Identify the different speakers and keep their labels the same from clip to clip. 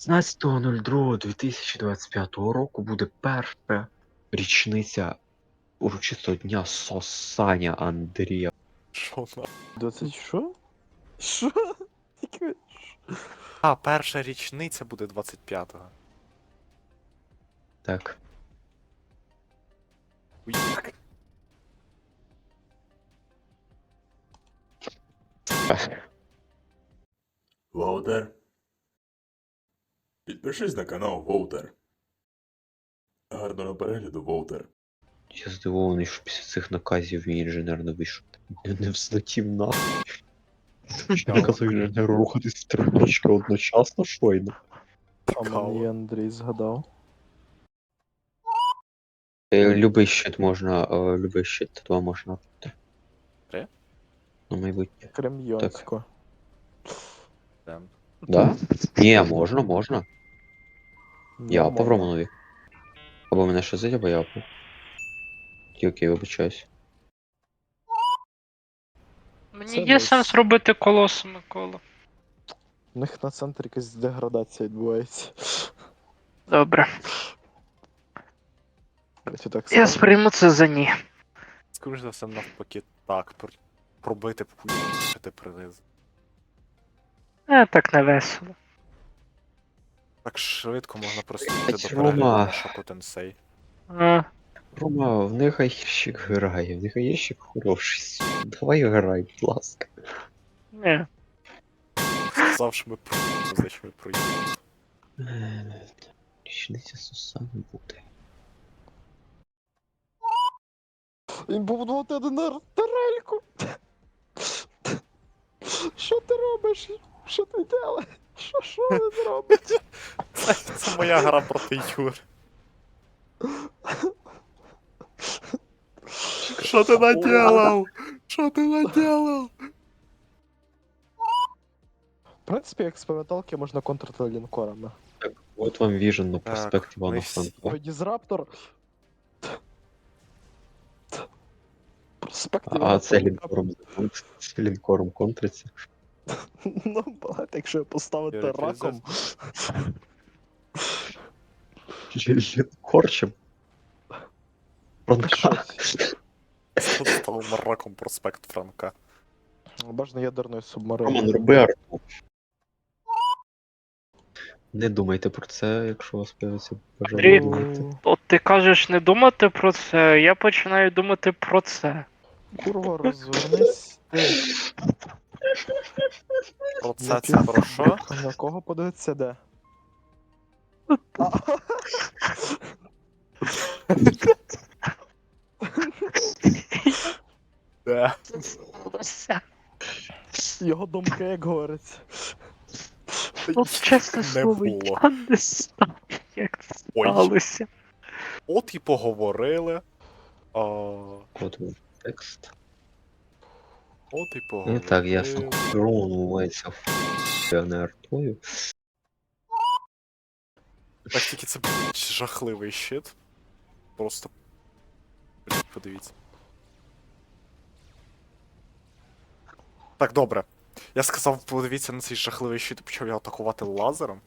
Speaker 1: 16.02.2025 року буде перша річниця урочистого дня сосання Андрія.
Speaker 2: Що на?
Speaker 3: 20 що? Що? Яке?
Speaker 2: А, перша річниця буде 25-го.
Speaker 1: Так.
Speaker 2: Уїк.
Speaker 4: Воутер. Підпишись на канал Воутер. Гарного перегляду, Воутер.
Speaker 1: Я здивований, що після цих наказів мій інженер не вийшов. Не взлетів нахуй. Що наказав інженеру рухатись в три точки одночасно, щойно.
Speaker 3: А мені Андрій згадав.
Speaker 1: Любий щит можна, любий щит 2 можна.
Speaker 2: Три?
Speaker 1: На майбутнє.
Speaker 3: Кремйонську.
Speaker 2: Там.
Speaker 1: Да? Ні, можна. Я по Романові. Або мене ще зить, або я по. Окей, вибачаюсь.
Speaker 5: Мені
Speaker 3: Це
Speaker 5: є
Speaker 3: десь.
Speaker 5: сенс робити колосу, Микола.
Speaker 3: У них на центрі якась деградація відбувається.
Speaker 5: Добре.
Speaker 3: Давайте так
Speaker 5: Я
Speaker 3: скажемо.
Speaker 5: сприйму це за ні.
Speaker 2: Скоріше за все, навпаки, так. Пробити п'яти приниз.
Speaker 5: Так не весело.
Speaker 2: Так швидко можна просто
Speaker 1: Блять,
Speaker 2: йти до
Speaker 1: Рома.
Speaker 2: перегляду на Шоку Тенсей.
Speaker 5: А,
Speaker 1: Рома, в них гірщик грає, в них гірщик хороший. Давай грай, будь ласка.
Speaker 5: ні.
Speaker 2: Сказав, що ми значить ми проїдемо.
Speaker 1: Річниця Сусани буде.
Speaker 3: Він побудувати один тарельку. Що ти робиш? Що ти делаєш? Що він робить?
Speaker 2: Це моя гра проти Юри. Що ти наделав? Що ти наделав?
Speaker 3: В принципі, експерименталки можна контрити лінкорами.
Speaker 1: От вам віжен на
Speaker 2: Так,
Speaker 1: проспект Івана
Speaker 2: ми всі-
Speaker 1: Франка.
Speaker 3: Дізраптор. Проспект
Speaker 1: А
Speaker 3: Івана
Speaker 1: це
Speaker 3: Франка.
Speaker 1: лінкором контриться.
Speaker 3: Ну, багато, якщо поставити
Speaker 2: Юрій,
Speaker 3: раком.
Speaker 1: Лінкорчем. Франка.
Speaker 2: Став мараком проспект Франка.
Speaker 3: Бажано ядерною
Speaker 1: Роман,
Speaker 3: субмариною.
Speaker 1: роби арту. Не думайте про це, якщо у вас появиться
Speaker 5: Андрій.
Speaker 1: бажання думати.
Speaker 5: От ти кажеш не думати про це, я починаю думати про це.
Speaker 3: Курва, розвернись. Ти.
Speaker 2: Про це про що?
Speaker 3: На кого подивитися де?
Speaker 2: Де?
Speaker 5: Все.
Speaker 3: Його думки, як говориться.
Speaker 5: От чесне
Speaker 2: Не
Speaker 5: слово,
Speaker 2: було.
Speaker 5: я не знаю, як це
Speaker 2: Ой.
Speaker 5: сталося.
Speaker 2: От і поговорили.
Speaker 1: От вам текст.
Speaker 2: От і
Speaker 1: Ну
Speaker 2: поговорили.
Speaker 1: так, ясно. Роман умивається а не артою.
Speaker 2: Так тільки це жахливий щит. Просто. Подивіться. Так, добре. Я сказав, подивіться на цей жахливий щит і почав його атакувати лазером.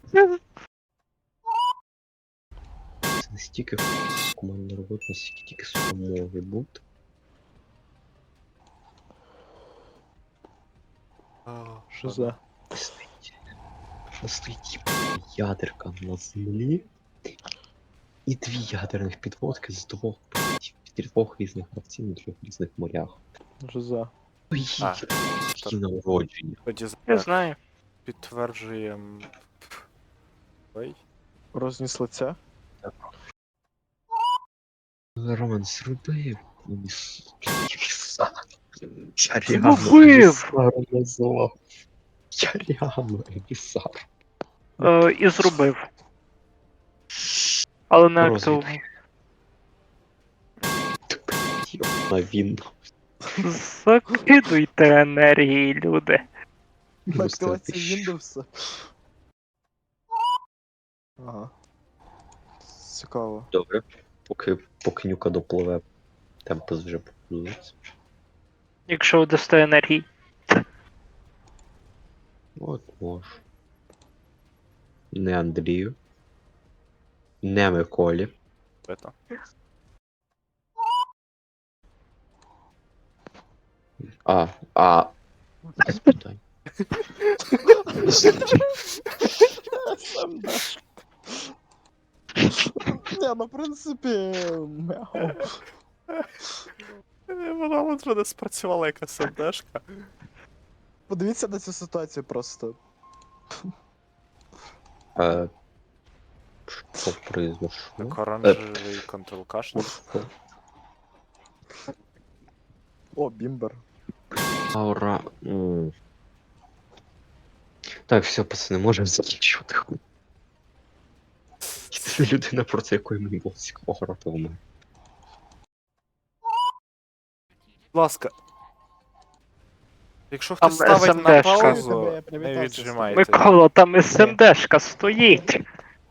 Speaker 1: Це не стільки командна робота, наскільки тільки сука може бути.
Speaker 3: Що за?
Speaker 1: Стоїть ядерка на землі і 2 ядерних підводки з 2 різних гравців на 3 різних морях.
Speaker 3: Що за?
Speaker 2: А,
Speaker 1: Які народження.
Speaker 2: Тоді
Speaker 5: Я знаю.
Speaker 2: підтверджуємо. Ой.
Speaker 3: Розніс лиця?
Speaker 1: Роман, зроби мені віса. Я
Speaker 5: Зробив!
Speaker 1: реально назвав. Я реально емісар.
Speaker 5: І зробив. Але не
Speaker 1: Розвідки.
Speaker 5: активно.
Speaker 1: На він.
Speaker 5: Закидуйте енергії, люди.
Speaker 3: На активації Windows. Ага. Цікаво.
Speaker 1: Добре. Поки нюка допливе, темпес вже побудується.
Speaker 5: Якщо ви дасте енергії.
Speaker 1: От може. Не Андрію. Не Миколі.
Speaker 2: Бито.
Speaker 1: Без питань.
Speaker 3: СМД. Не, ну в принципі, мяу.
Speaker 2: Вона от вже не спрацювала як СМДшка.
Speaker 3: Подивіться на цю ситуацію просто.
Speaker 1: Що произошло?
Speaker 2: Так оранжевий контрол кашель.
Speaker 3: О, бімбер.
Speaker 1: Аура. Так, все, пацани, можемо закінчувати хуй. Це людина, проти якої мені було цікаво грати в мене.
Speaker 2: Будь ласка. Якщо
Speaker 5: Там
Speaker 2: хтось ставить на
Speaker 5: SMD-шка.
Speaker 2: паузу,
Speaker 3: Я
Speaker 2: не
Speaker 3: привітався з
Speaker 2: віджимайте.
Speaker 5: Микола, там СМДшка стоїть.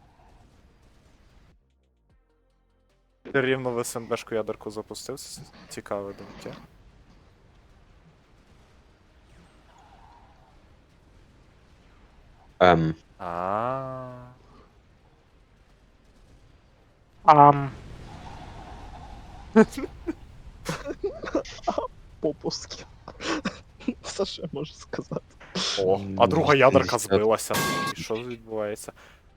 Speaker 2: Ти рівно в СМДшку ядерку запустив. Цікаве думки. А.
Speaker 5: Ам.
Speaker 3: Попуски. Все, що я можу сказати.
Speaker 2: О, а друга ядерка збилася. І що відбувається?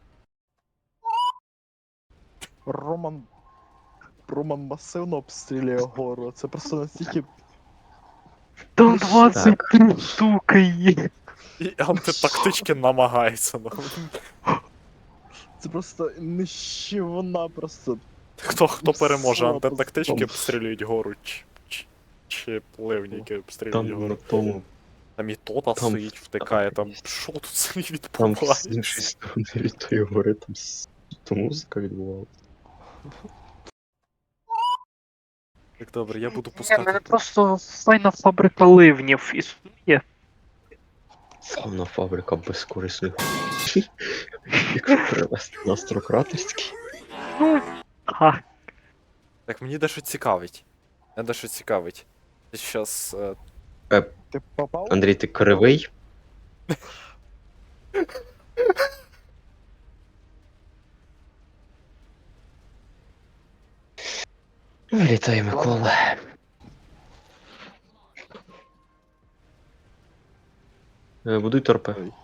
Speaker 3: Роман масивно обстрілює гору. Це просто настільки.
Speaker 5: Там 23 штуки є.
Speaker 2: І антитактички намагається. Ну.
Speaker 3: Це просто нищівна просто.
Speaker 2: Хто переможе?
Speaker 3: Слабо.
Speaker 2: Антитактички обстрілюють гору, чи пливніки обстрілюють
Speaker 1: Там на
Speaker 2: гору.
Speaker 1: тому,
Speaker 2: Там і тота
Speaker 1: там-
Speaker 2: стоїть, втикає, там що тут собі
Speaker 1: там з
Speaker 2: відбувається?
Speaker 1: іншої сторони від тої гори, там то музика відбувалася.
Speaker 2: Так добре, я буду
Speaker 5: Ні,
Speaker 2: пускати.
Speaker 5: мене просто файна фабрика ливнів існує.
Speaker 1: Фауна фабрика безкорисних. Якщо перевести на Острократерський.
Speaker 5: Ну, ага.
Speaker 2: Так мені дещо цікавить. Мене дещо цікавить. Ти щас.
Speaker 3: Ти попав?
Speaker 1: Андрій, ти кривий? Вітаю, Микола. Будуй торпи.
Speaker 3: Ой.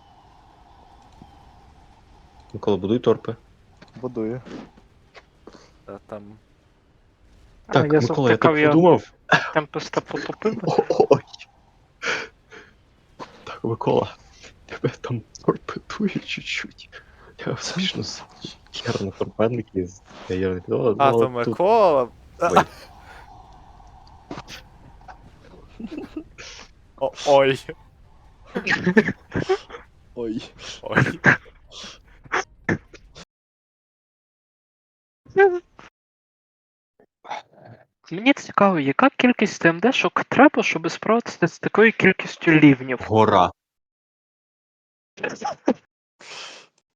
Speaker 1: Микола, будуй торпи.
Speaker 3: Будую.
Speaker 2: Там.
Speaker 1: Так,
Speaker 5: я
Speaker 1: Микола, я
Speaker 5: завтикав,
Speaker 1: так подумав.
Speaker 5: Темпеста потопив.
Speaker 1: Ой. Так, Микола, тебе там торпедує чуть-чуть. Я успішно з херно торпедники з ядерних підводів.
Speaker 2: А, то Микола.
Speaker 1: Ой.
Speaker 2: Ой.
Speaker 3: Ой.
Speaker 2: Ой.
Speaker 5: Мені цікаво, яка кількість ТМДшок треба, щоб справитися з такою кількістю лівнів?
Speaker 1: Гора.